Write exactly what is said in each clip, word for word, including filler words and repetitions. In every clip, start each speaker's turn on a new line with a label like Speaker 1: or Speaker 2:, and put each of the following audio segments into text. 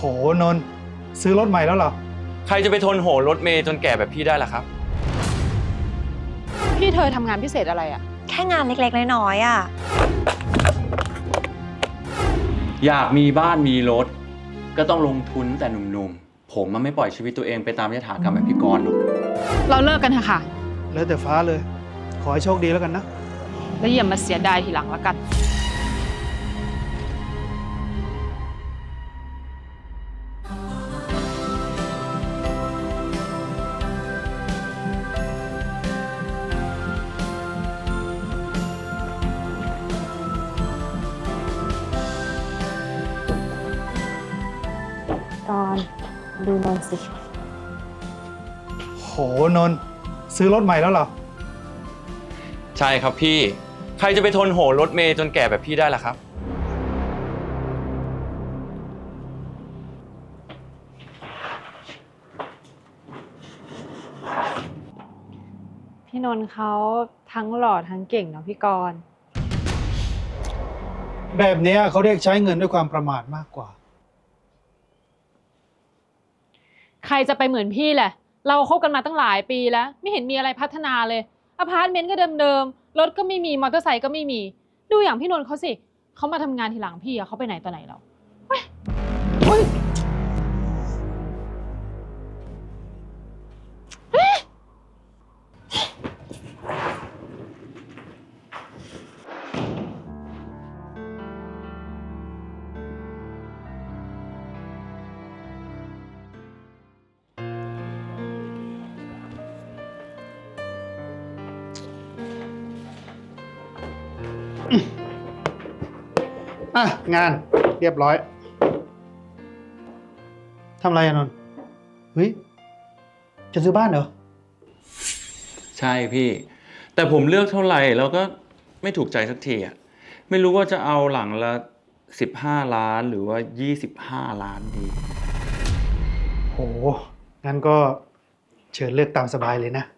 Speaker 1: นนท์ซื้อรถใหม่แล้วเหรอ
Speaker 2: ใครจะไปทนโหรถเมย์จนแก่แบบพี่ได้ล่ะครับ
Speaker 3: พี่เธอทำงานพิเศษอะไรอะ
Speaker 4: แค่งานเล็กๆน้อยๆอ่ะ
Speaker 5: อยากมีบ้านมีรถก็ต้องลงทุนแต่หนุ่มๆผมมันไม่ปล่อยชีวิตตัวเองไปตามยถากรรมแบบพี่กรณ์หรอก
Speaker 3: เราเลิกกันเถอะค่ะ
Speaker 1: แล้วแต่ฟ้าเลยขอให้โชคดีแล้วกันนะ
Speaker 3: แล้วอย่ามาเสียดายทีหลังละกัน
Speaker 4: ตอนดูนนสิ
Speaker 1: โหนนท์ซื้อรถใหม่แล้วเหรอ
Speaker 2: ใช่ครับพี่ใครจะไปทนโหรถเมย์จนแก่แบบพี่ได้ล่ะครับ
Speaker 3: พี่นนท์เขาทั้งหล่อทั้งเก่งเนาะพี่กรณ์
Speaker 1: แบบนี้เขาเรียกใช้เงินด้วยความประมาทมากกว่า
Speaker 3: ใครจะไปเหมือนพี่แหละเราคบกันมาตั้งหลายปีแล้วไม่เห็นมีอะไรพัฒนาเลยอพาร์ตเมนต์ก็เดิมๆรถก็ไม่มีมอเตอร์ไซค์ก็ไม่มีดูอย่างพี่นนท์เขาสิเขามาทำงานทีหลังพี่อะเขาไปไหนต่อไหนแล้วเฮ้ยเฮ้ย
Speaker 1: อ่ะงานเรียบร้อยทำอะไรอะนนท์เฮ้ยจะซื้อบ้านเหรอ
Speaker 5: ใช่พี่แต่ผมเลือกเท่าไหร่แล้วก็ไม่ถูกใจสักทีอ่ะไม่รู้ว่าจะเอาหลังละสิบห้าล้านหรือว่ายี่สิบห้าล้านดี
Speaker 1: โหงั้นก็เชิญเลือกตามสบายเลยนะ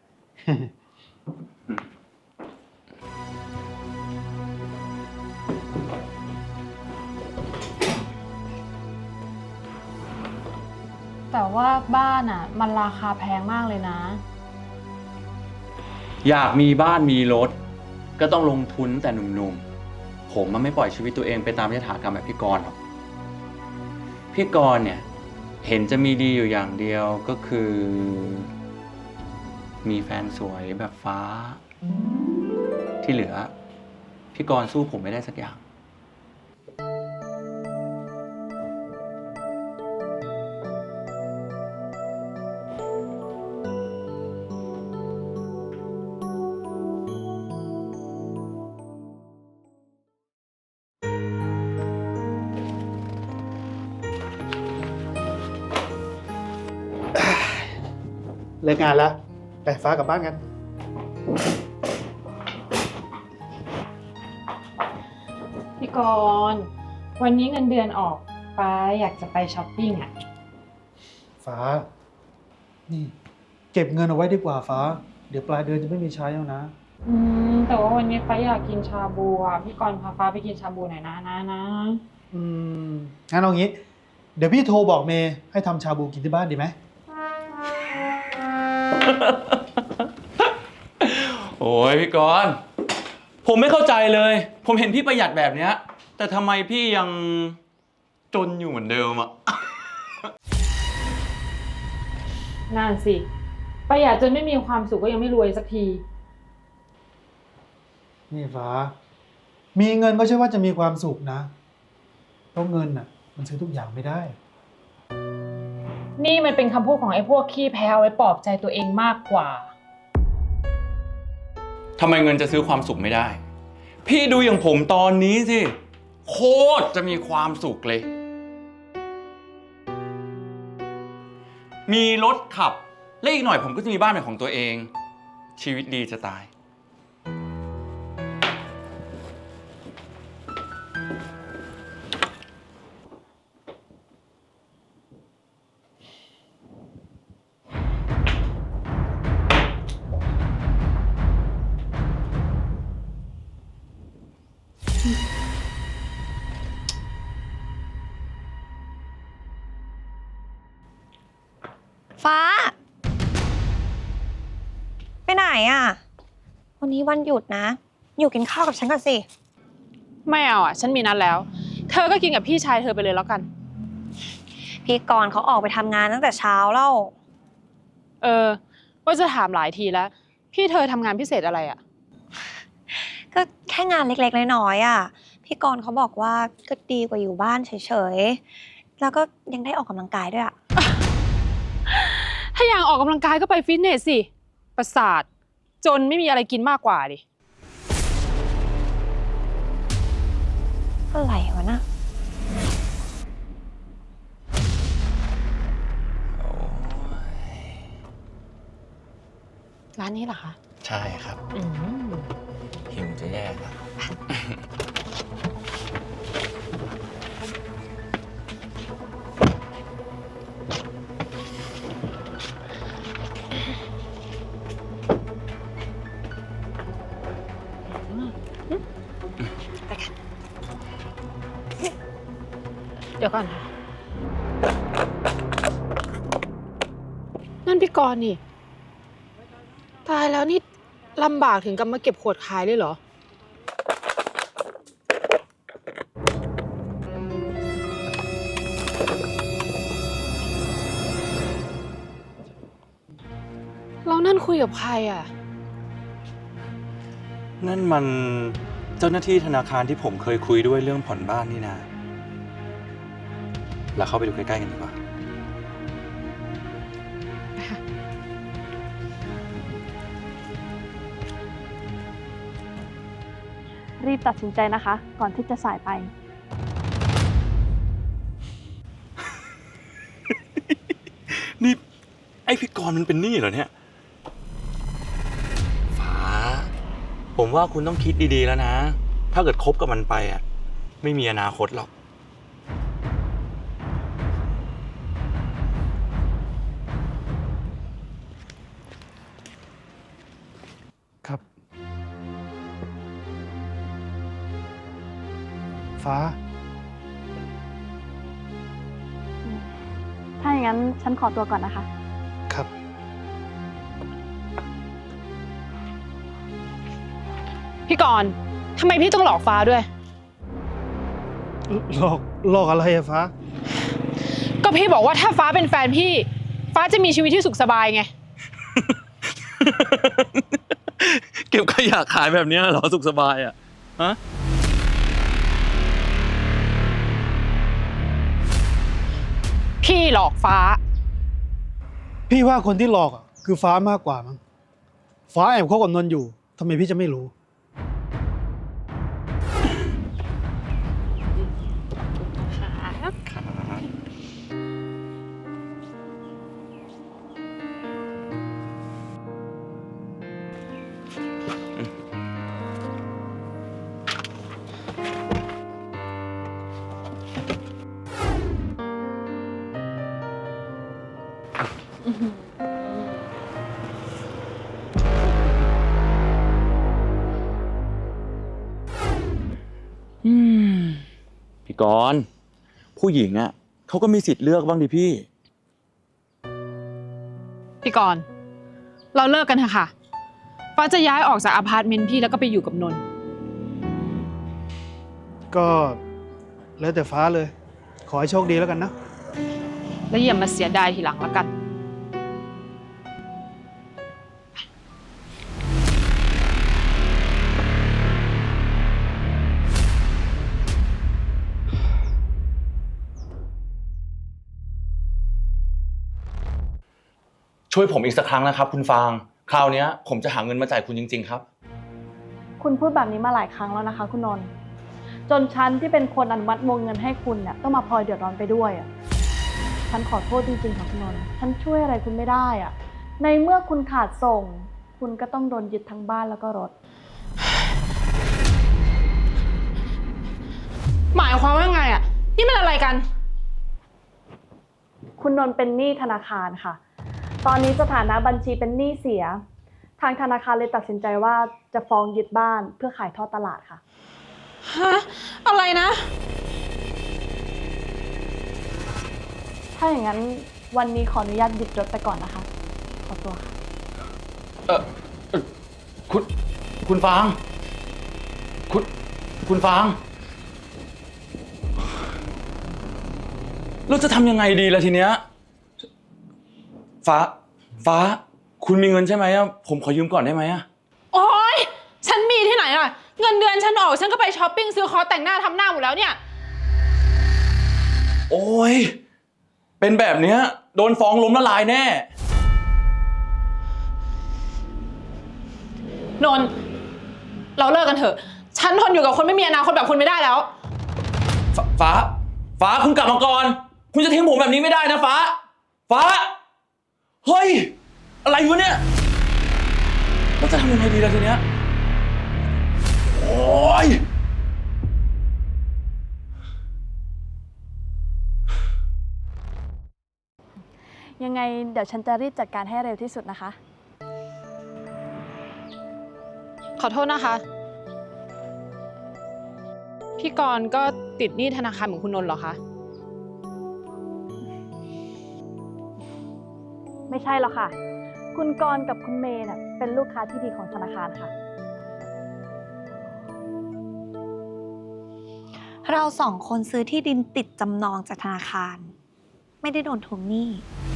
Speaker 3: แต่ว่าบ้านอ่ะมันราคาแพงมากเลยนะ
Speaker 5: อยากมีบ้านมีรถก็ต้องลงทุนแต่หนุ่มๆผมมันไม่ปล่อยชีวิตตัวเองไปตามยถากรรมแบบพี่กรณ์หรอกพี่กรณ์เนี่ยเห็นจะมีดีอยู่อย่างเดียวก็คือ มีแฟนสวยแบบฟ้าที่เหลือพี่กรณ์สู้ผมไม่ได้สักอย่าง
Speaker 1: เลิกงานแล้วไปฟ้ากลับบ้านกัน
Speaker 3: พี่กรณ์วันนี้เงินเดือนออกฟ้าอยากจะไปช้อปปิ้งอ่ะ
Speaker 1: ฟ้านี่เก็บเงินเอาไว้ดีกว่าฟ้าเดี๋ยวปลายเดือนจะไม่มีใช้แล้วนะ
Speaker 3: อืมแต่ว่าวันนี้ฟ้าอยากกินชาบูอ่ะพี่กรณ์พาฟ้าไปกินชาบูหน่อยนะนะนะ
Speaker 1: อืมงั้นเอางี้เดี๋ยวพี่โทรบอกเมย์ให้ทำชาบูกินที่บ้านดีไหม
Speaker 5: โอ้ยพี่กรณ์ผมไม่เข้าใจเลยผมเห็นพี่ประหยัดแบบเนี้ยแต่ทำไมพี่ยังจนอยู่เหมือนเดิมอะ
Speaker 3: นั่นสิประหยัดจนไม่มีความสุขก็ยังไม่รวยสักที
Speaker 1: นี่ฟ้ามีเงินก็ใช่ว่าจะมีความสุขนะเพราะเงินน่ะมันซื้อทุกอย่างไม่ได้
Speaker 3: นี่มันเป็นคำพูดของไอ้พวกขี้แพ้เอาไว้ปลอบใจตัวเองมากกว่า
Speaker 5: ทำไมเงินจะซื้อความสุขไม่ได้พี่ดูอย่างผมตอนนี้สิโคตรจะมีความสุขเลยมีรถขับและอีกหน่อยผมก็จะมีบ้านเป็นของตัวเองชีวิตดีจะตาย
Speaker 4: ฟ้า ไปไหนอ่ะ วันนี้วันหยุดนะ อยู่กินข้าวกับฉันก่อนสิ
Speaker 3: ไม่เอาอ่ะ ฉันมีนัดแล้ว เธอก็กินกับพี่ชายเธอไปเลยแล้วกัน
Speaker 4: พี่กรณ์เขาออกไปทำงานตั้งแต่เช้าแล้ว
Speaker 3: เออ ว่าจะถามหลายทีแล้ว พี่เธอทำงานพิเศษอะไรอ่ะ
Speaker 4: ก็แค่งานเล็กๆน้อยๆอ่ะ พี่กรณ์เขาบอกว่าก็ดีกว่าอยู่บ้านเฉยๆ แล้วก็ยังได้ออกกำลังกายด้วยอ่ะ
Speaker 3: ถ้าอยากออกกำลังกายก็ไปฟิตเนสสิ ประสาท จนไม่มีอะไรกินมากกว่าดิ
Speaker 4: อะไรวะน่ะ
Speaker 3: ร้านนี้เหรอคะ
Speaker 2: ใช่ครับ
Speaker 3: อืม
Speaker 2: หิวจะแย่ครับ
Speaker 3: ไปกัน เดี๋ยวก่อนค่ะนั่นพี่กรณ์นี่ ตายแล้วนี่ลำบากถึงกับมาเก็บขวดขายเลยเหรอ เรานั่นคุยกับใครอ่ะ
Speaker 5: นั่นมันเจ้าหน้าที่ธนาคารที่ผมเคยคุยด้วยเรื่องผ่อนบ้านนี่นาเราเข้าไปดูใกล้ๆกันดีกว่า
Speaker 6: รีบตัดสินใจนะคะ ก่อนที่จะสายไป
Speaker 5: นี่ไอพี่กรณ์มันเป็นหนี้เหรอเนี่ย ฟ้า ผมว่าคุณต้องคิดดีๆแล้วนะ ถ้าเกิดคบกับมันไปอ่ะ ไม่มีอนาคตหรอก
Speaker 1: ครับ ฟ้า
Speaker 6: ถ้าอย่างนั้นฉันขอตัวก่อนนะคะ
Speaker 1: ครับ
Speaker 3: พี่กรณ์ทำไมพี่ต้องหลอกฟ้าด้วย
Speaker 1: หลอกหลอกอะไรอะฟ้า
Speaker 3: ก็พี่บอกว่าถ้าฟ้าเป็นแฟนพี่ ฟ้าจะมีชีวิตที่สุขสบายไง
Speaker 2: เก็บขยะขายแบบเนี้ยเหรอสุขสบายอ่ะ ฮะ
Speaker 3: พี่หลอกฟ้า
Speaker 1: พี่ว่าคนที่หลอกอะคือฟ้ามากกว่ามั้ง ฟ้าแอบคบกับนนท์อยู่ทำไมพี่จะไม่รู้
Speaker 5: อืม พี่กรณ์ผู้หญิงอ่ะเขาก็มีสิทธิ์เลือกบ้างดิพี่
Speaker 3: พี่กรณ์เราเลิกกันเถอะค่ะ ฟ้าจะย้ายออกจากอพาร์ตเมนต์พี่แล้วก็ไปอยู่กับนนท์
Speaker 1: ก็แล้วแต่ฟ้าเลย ขอให้โชคดีแล้วกันนะ
Speaker 3: แล้วอย่ามาเสียดายทีหลังละกัน
Speaker 2: ช่วยผมอีกสักครั้งนะครับคุณฟาง คราวนี้ผมจะหาเงินมาจ่ายคุณจริงๆครับ
Speaker 6: คุณพูดแบบนี้มาหลายครั้งแล้วนะคะ คุณนนท์จนฉันที่เป็นคนอนุมัติวงเงินให้คุณเนี่ยต้องมาพลอยเดือดร้อนไปด้วยอ่ะ ฉันขอโทษจริงๆค่ะคุณนนท์ฉันช่วยอะไรคุณไม่ได้อ่ะ ในเมื่อคุณขาดส่ง คุณก็ต้องโดนยึดทั้งบ้านแล้วก็รถ
Speaker 3: หมายความว่าไงอ่ะ นี่มันอะไรกัน
Speaker 6: คุณนนท์เป็นหนี้ธนาคารค่ะ ตอนนี้สถานะบัญชีเป็นหนี้เสีย ทางธนาคารเลยตัดสินใจว่าจะฟ้องยึดบ้านเพื่อขายทอดตลาดค่ะ
Speaker 3: ฮะ อะไรนะ
Speaker 6: ถ้าอย่างนั้นวันนี้ขออนุญาตยึดรถไปก่อนนะคะ ขอตัวค่ะ
Speaker 5: เออเอ่อคุณ คุณฟาง คุณ คุณฟาง เราจะทำยังไงดีล่ะทีเนี้ย ฟ้า ฟ้า คุณมีเงินใช่ไหมอะผมขอยืมก่อนได้ไหมอะ
Speaker 3: โอ๊ย ฉันมีที่ไหนอะเงินเดือนฉันออกฉันก็ไปช้อปปิ้งซื้อคอร์สแต่งหน้าทำหน้าหมดแล้วเนี่ย
Speaker 2: โอ้ย เป็นแบบเนี้ยโดนฟ้องล้มละลายแน่
Speaker 3: นนท์เราเลิกกันเถอะ ฉันทนอยู่กับคนไม่มีอนาคตแบบคุณไม่ได้แล้ว
Speaker 2: ฟฟ้า ฟ้าคุณกลับมาก่อน คุณจะทิ้งผมแบบนี้ไม่ได้นะฟ้า ฟ้า เฮ้ย อะไรวะเนี่ยเราจะทำยังไงดีล่ะทีเนี้ย โอ้ย
Speaker 6: ยังไงเดี๋ยวฉันจะรีบจัดการให้เร็วที่สุดนะคะ
Speaker 3: ขอโทษนะคะ พี่กรณ์ก็ติดหนี้ธนาคารเหมือนคุณนนท์เหรอคะ
Speaker 6: ไม่ใช่หรอกค่ะ คุณกรณ์กับคุณเมย์น่ะเป็นลูกค้าที่ดีของธนาคารค่ะ
Speaker 4: เราสองคนซื้อที่ดินติดจำนองจากธนาคาร ไม่ได้โดนทวงหนี้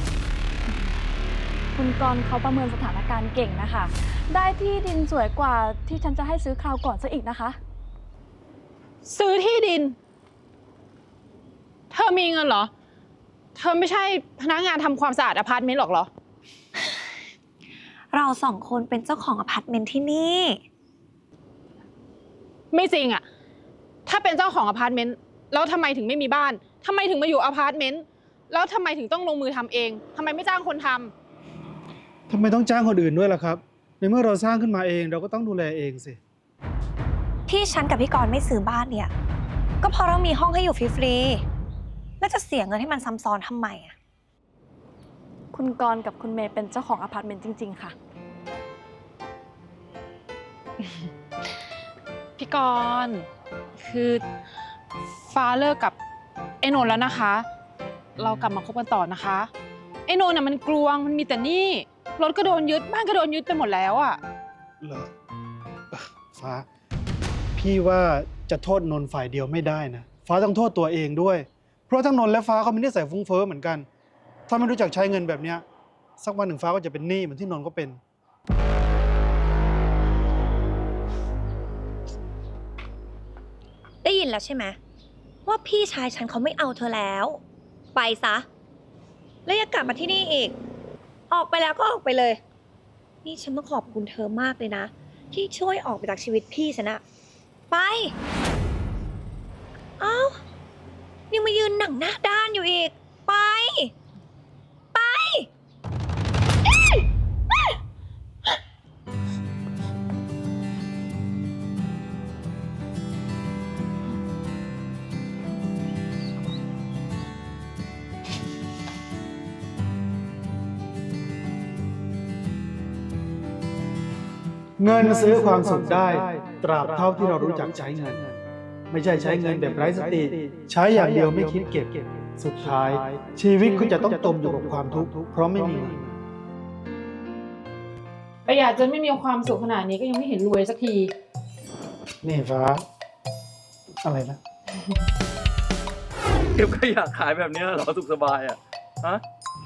Speaker 6: คุณกรณ์เขาประเมินสถานการณ์เก่งนะคะ ได้ที่ดินสวยกว่าที่ฉันจะให้ซื้อคราวก่อนซะอีกนะคะ
Speaker 3: ซื้อที่ดิน เธอมีเงินเหรอ เธอไม่ใช่พนักงานทำความสะอาดอพาร์ตเมนต์หรอกเหรอ
Speaker 4: เราสองคนเป็นเจ้าของอพาร์ตเมนต์ที่นี่
Speaker 3: ไม่จริงอะถ้าเป็นเจ้าของอพาร์ตเมนต์แล้วทำไมถึงไม่มีบ้านทำไมถึงมาอยู่อพาร์ตเมนต์แล้วทำไมถึงต้องลงมือทำเองทำไมไม่จ้างคนทำ
Speaker 1: ทำไมต้องจ้างคนอื่นด้วยล่ะครับ ในเมื่อเราสร้างขึ้นมาเองเราก็ต้องดูแลเองสิ
Speaker 4: ที่ฉันกับพี่กรณ์ไม่ซื้อบ้านเนี่ย ก็เพราะเรามีห้องให้อยู่ฟรีๆ แล้วจะเสียเงินให้มันซ้ำซ้อนทำไมอะ
Speaker 6: คุณกรณ์กับคุณเมย์เป็นเจ้าของอพาร์ตเมนต์จริง ๆ ค่ะ
Speaker 3: พี่กรณ์คือฟ้าเลิกกับไอ้นนท์แล้วนะคะ เรากลับมาคบกันต่อนะคะไอ้นนท์น่ะมันกลวงมันมีแต่หนี้รถก็โดนยึดบ้านก็โดนยึดไปหมดแล้วอ่ะ
Speaker 1: เหรอเอ่อฟ้า พี่ว่าจะโทษนนท์ฝ่ายเดียวไม่ได้นะ ฟ้าต้องโทษตัวเองด้วย เพราะทั้งนนท์และฟ้าเขามีนิสัยฟุ้งเฟ้อเหมือนกัน ถ้าไม่รู้จักใช้เงินแบบเนี้ยสักวันหนึ่งฟ้าก็จะเป็นหนี้เหมือนที่นนท์ก็เป็น
Speaker 4: ได้ยินแล้วใช่ไหมว่าพี่ชายฉันเขาไม่เอาเธอแล้ว ไปซะ แล้วอย่ากลับมาที่นี่อีก ออกไปแล้วก็ออกไปเลย นี่ฉันต้องขอบคุณเธอมากเลยนะ ที่ช่วยออกไปจากชีวิตพี่ฉันอะไป เอ้า ยังมายืนหนังหน้าด้านอยู่อีก ไป ไป
Speaker 1: เงินซื้อความสุขได้ ตราบเท่าที่เรารู้จักใช้เงิน ไม่ใช่ใช้เงินแบบไร้สติ ใช้อย่างเดียวไม่คิดเก็บ สุดท้าย ชีวิตคุณจะต้องจมอยู่กับความทุกข์เพราะไม่มีเงิน
Speaker 3: ประหยัดจนไม่มีความสุขขนาดนี้ก็ยังไม่เห็นรวยสักที
Speaker 1: นี่ฟ้า อะไรนะ
Speaker 2: เก็บก็อยากขายแบบเนี้ยเหรอสุขสบายอ่ะ ฮะ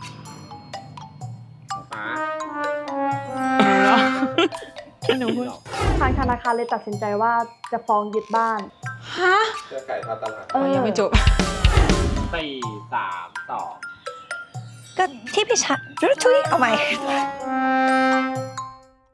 Speaker 3: หนูพูด
Speaker 6: ทางธนาคารเลยตัดสินใจว่าจะฟ้องยึดบ้าน
Speaker 3: ฮะ
Speaker 7: เสื้อไก่ทอดตลาด
Speaker 6: เออ
Speaker 3: ยังไม่จบ
Speaker 7: สี่สามสอง
Speaker 4: ก็ที่พี่ชายชุยเอาใหม่